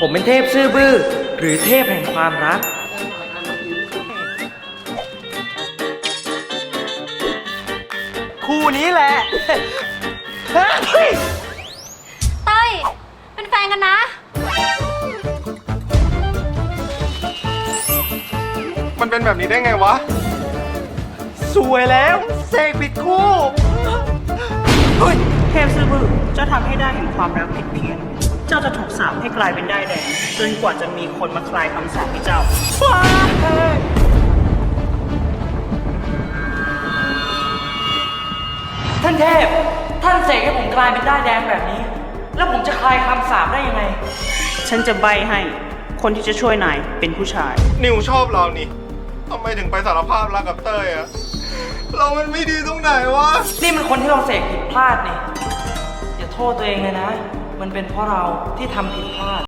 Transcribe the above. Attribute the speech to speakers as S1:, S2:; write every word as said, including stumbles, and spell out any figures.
S1: ผมเป็นเทพซื่อบื้อหรือเทพแห่งความรักคู่นี้แหละเฮ้ย
S2: เต้ย เป็นแฟนกันนะ
S3: มันเป็นแบบนี้ได้ไงวะ
S1: สวยแล้วเสกผิดคู่เฮ้ย
S4: เทพซื่อบื้อเจ้าทำให้ได้เห็นความรักผิดเพี้ยน เจ้าจะถูกสาปให้กลายเป็นได้ายแดงจนกว่าจะมีคนมาคลายคำสาปให้เจ้า
S1: ว้ายท่านเทพ ท่านเสกให้ผมกลายเป็นด้ายแดงแบบนี้ แล้วผมจะคลายคำสาปได้ยังไง
S4: ฉันจะใบให้คนที่จะช่วยนายเป็นผู้ชาย
S3: นิวชอบเรานี่ทำไมถึงไปสารภาพรักกับเต้ยอะเรามันไม่ดีตรงไหนวะ
S1: นี่มันคนที่เราเสกผิดพลาดนี่ อย่าโทษตัวเองเลยนะ มันเป็นเพราะเราที่ทำผิดพลาด